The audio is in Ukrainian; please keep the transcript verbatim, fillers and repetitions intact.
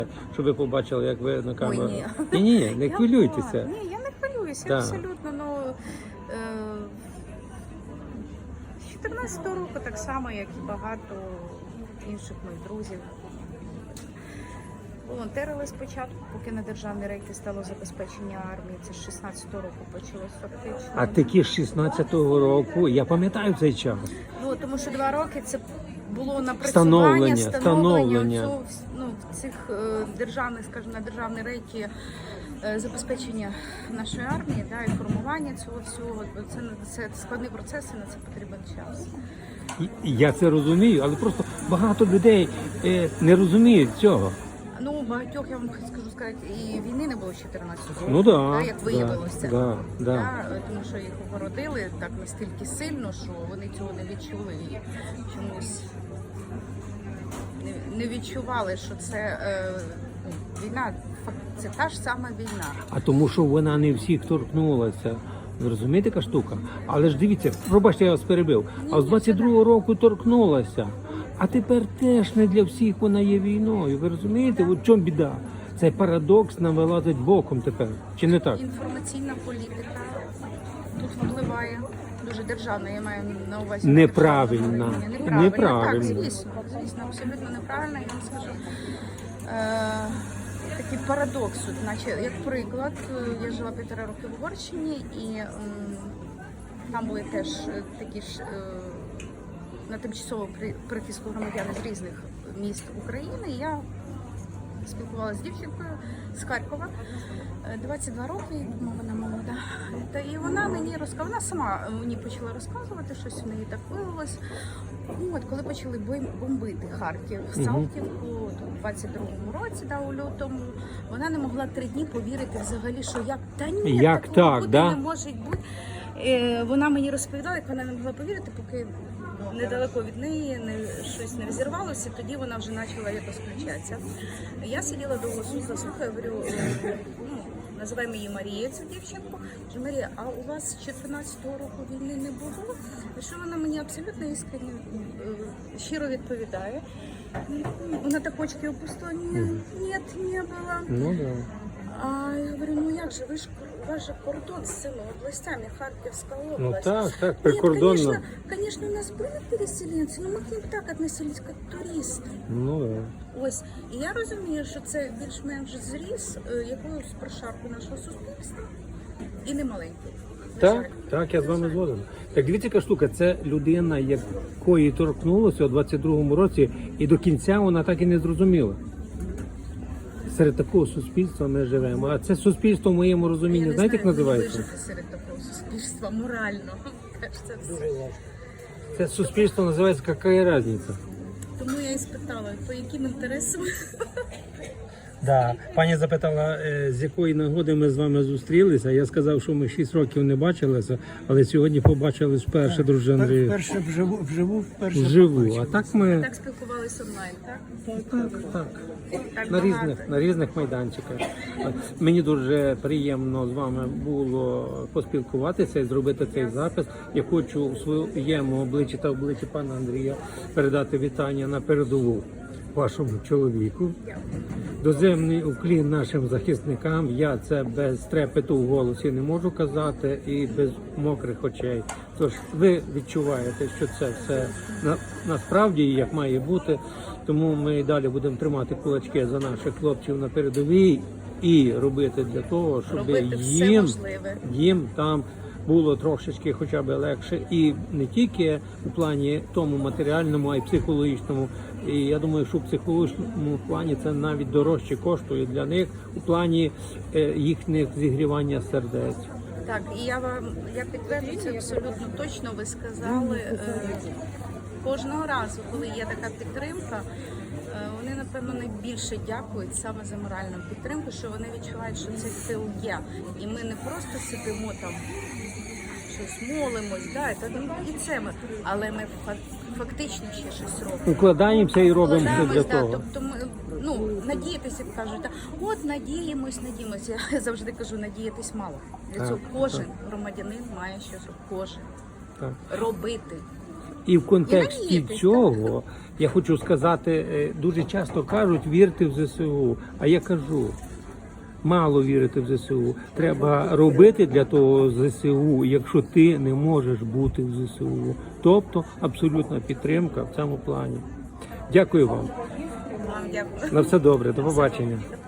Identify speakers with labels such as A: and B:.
A: щоб ви побачили, як ви на камеру.
B: Ой, ні.
A: Ні, ні, не
B: Я
A: хвилюйтеся.
B: пла- Ні, я не хвилююся,
A: Так.
B: абсолютно. Ну, е, з чотирнадцятого року так само, як і багато інших моїх друзів. Волонтерили спочатку, поки на державні рейки стало забезпечення армії. Це з шістнадцятого року почалось фактично.
A: А такі з шістнадцятого року, я пам'ятаю цей час.
B: Ну, тому що два роки це було напрацювання,
A: Встановлення,
B: встановлення,
A: встановлення.
B: цього, ну, цих е, державних, скажімо, на державні рейки е, забезпечення нашої армії, да, і формування цього всього. Це, це складний процес і на це потрібен час.
A: І- і Я це розумію, але просто багато людей е, не розуміють цього.
B: Ну, багатьох, я вам скажу сказати, і війни не було з чотирнадцятого року,
A: Ну да,
B: да, як виявилося.
A: Да, да, да.
B: Да, тому що їх огородили так настільки сильно, що вони цього не відчули і чомусь не, не відчували, що це е, ну, війна, фак- це та ж сама війна.
A: А тому, що вона не всіх торкнулася. Ви розумієте, яка штука? Але ж дивіться, пробачте, я вас перебив. А з двадцять другого року торкнулася. А тепер теж не для всіх вона є війною. Ви розумієте? От в чому біда? Цей парадокс нам вилазить боком тепер. Чи не так?
B: Інформаційна політика тут впливає. Дуже державна, я маю на увазі.
A: Неправильна.
B: державна рівня. Неправильна.
A: Неправильна.
B: Так, звісно, звісно, абсолютно неправильно, я вам скажу. Е, такий парадокс, от, наче, як приклад, е, я жила півтора роки в Угорщині, і м, там були теж е, такі ж е, на тимчасово при- прихистку громадяни з різних міст України. І я спілкувалася з дівчинкою з Харкова, е, двадцять два роки, я думаю, вона молода. Та і вона мені розказала, вона сама мені почала розказувати, щось в неї так виявилось. Ну, от коли почали бой- бомбити Харків, Салтівку у двадцять другому році, да, у лютому, вона не могла три дні повірити взагалі, що як та ні,
A: Як
B: такого
A: так,
B: бути
A: да?
B: не може бути. Е, вона мені розповідала, як вона не могла повірити, поки недалеко від неї не, щось не розірвалося, тоді вона вже почала якось включатися. Я сиділа довго слухаю, говорю, е, ну, називаємо її Марія, цю дівчинку. Кажу, Марія, а у вас з чотирнадцятого року війни не було? І що вона мені абсолютно іскренне, е, щиро відповідає. Вона так очки опустила, ні, ні, не було.
A: Ну да.
B: А я говорю, ну як же, ви ж у вас же кордон з цими областями, Харківська область.
A: Ну так, так,
B: Нет,
A: прикордонно.
B: конечно, конечно, у нас были переселенці, але ми к ним так относились, як туристи.
A: Ну да.
B: Ось, і я розумію, що це більш-менш зріз е, якоюсь прошарку нашого суспільства і не маленький. на жаль.
A: Так, так, я з вами згоден. Так дивіться, яка штука, це людина, якої торкнулося у двадцять другому році, і до кінця вона так і не зрозуміла. Серед такого суспільства ми живемо. А це суспільство в моєму
B: Я
A: розумінні,
B: не
A: знаєте, як
B: знаю,
A: називається?
B: вижити серед такого суспільства морально. Теж це все.
A: Це суспільство називається «Какая різниця?».
B: Тому я і спитала, по яким інтересам.
A: Да. Пані запитала, е, з якої нагоди ми з вами зустрілися. Я сказав, що ми шість років не бачилися, але сьогодні побачились вперше, друже Андрію.
C: Вперше вживу, вживу вперше
A: Вживу. А
C: побачив.
A: так ми
B: Так спілкувалися онлайн, так?
A: так, так.
B: Так
A: На
B: багато.
A: різних, на різних майданчиках. Мені дуже приємно з вами було поспілкуватися і зробити цей запис. Я хочу у своєму обличчі та обличчі пана Андрія передати вітання на передову вашому чоловіку. Доземний уклін нашим захисникам. Я це без трепету в голосі не можу казати і без мокрих очей. Тож ви відчуваєте, що це все на, насправді як має бути. Тому ми і далі будемо тримати кулачки за наших хлопців на передовій і робити для того, щоб
B: Робити все
A: їм,
B: можливе.
A: їм там було трошечки хоча б легше. І не тільки у плані тому матеріальному, а й психологічному. І я думаю, що в психологічному плані це навіть дорожче коштує для них у плані е, їхніх зігрівання сердець.
B: Так, і я вам я підтверджую це абсолютно точно. Ви сказали е, кожного разу, коли є така підтримка, е, вони напевно найбільше дякують саме за моральну підтримку, що вони відчувають, що цей тил є. І ми не просто сидимо там, щось молимось, да, і, та- і це ми, але ми фа- фактично ще щось робимо.
A: Укладаємося і робимо все для
B: Вкладаємось, да,
A: того.
B: тобто ми, ну, надіятися, як кажуть, так, от надіємось, надіємось. Я завжди кажу, надіятись мало. Для
A: Так,
B: цього кожен громадянин має щось, кожен
A: Так.
B: робити.
A: І в контексті
B: надіятись,
A: цього я хочу сказати, е, дуже часто кажуть, вірте в ЗСУ. А я кажу, мало вірити в ЗСУ. Треба робити для того ЗСУ, якщо ти не можеш бути в ЗСУ. Тобто абсолютна підтримка в цьому плані. Дякую вам.
B: Вам дякую.
A: На все добре. До побачення.